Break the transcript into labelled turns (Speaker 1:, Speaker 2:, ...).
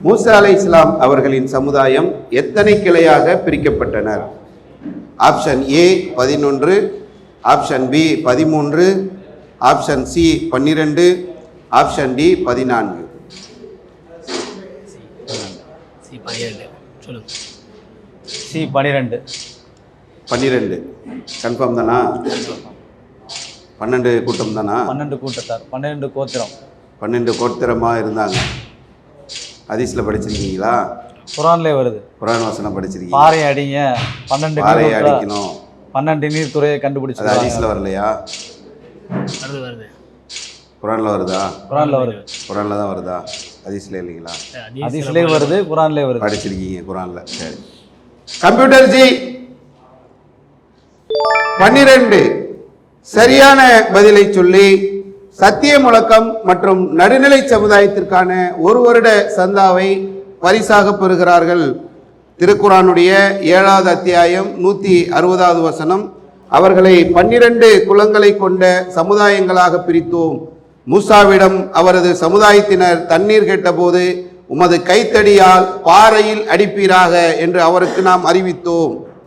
Speaker 1: மூசா அலைஹிஸ்ஸலாம் அவர்களின் சமுதாயம் எத்தனை கிளையாக பிரிக்கப்பட்டனர்? Option A 11, option B 13, option C 12, option D 14.
Speaker 2: C 12.
Speaker 1: 12 confirm தானா? 12 கூட்டம் தானா?
Speaker 2: 12 கூட்டத்தார், 12 கோத்திரம்.
Speaker 1: 12 கோத்திரமாக இருந்தாங்க. ஹதீஸ்ல படிச்சிருக்கீங்களா?
Speaker 2: குர்ஆன்லயே வருது.
Speaker 1: குர்ஆன் வசனம் படிச்சிருக்கீங்க.
Speaker 2: பாறை அடிங்க, 12
Speaker 1: பாறை அடிக்கணும்,
Speaker 2: 12 நீர்த்துறையை கண்டுபிடிச்சு.
Speaker 1: அது ஹதீஸ்ல வரலையா?
Speaker 3: வருது.
Speaker 1: குர்ஆன்ல வருதா?
Speaker 2: குர்ஆன்ல வருது.
Speaker 1: குர்ஆன்ல தான் வருதா? ஹதீஸ்ல இல்லைங்களா?
Speaker 2: ஹதீஸ்லயே வருது, குர்ஆன்லயே வருது.
Speaker 1: படிச்சிருக்கீங்க குர்ஆன்ல. சரி. கம்ப்யூட்டர் ஜி 12 சரியான பதிலை சொல்லி சத்திய முழக்கம் மற்றும் நடுநிலை சமுதாயத்திற்கான 1 வருட சந்தாவை பரிசாக பெறுகிறார்கள். திருக்குர்ஆனுடைய 7வது அத்தியாயம் 160வது வசனம். அவர்களை 12 குலங்களை கொண்ட சமுதாயங்களாக பிரித்தோம். மூசாவிடம் அவரது சமுதாயத்தினர் தண்ணீர் கேட்டபோது உமது கைத்தடியால் பாறையில் அடிப்பீராக என்று அவருக்கு நாம் அறிவித்தோம்.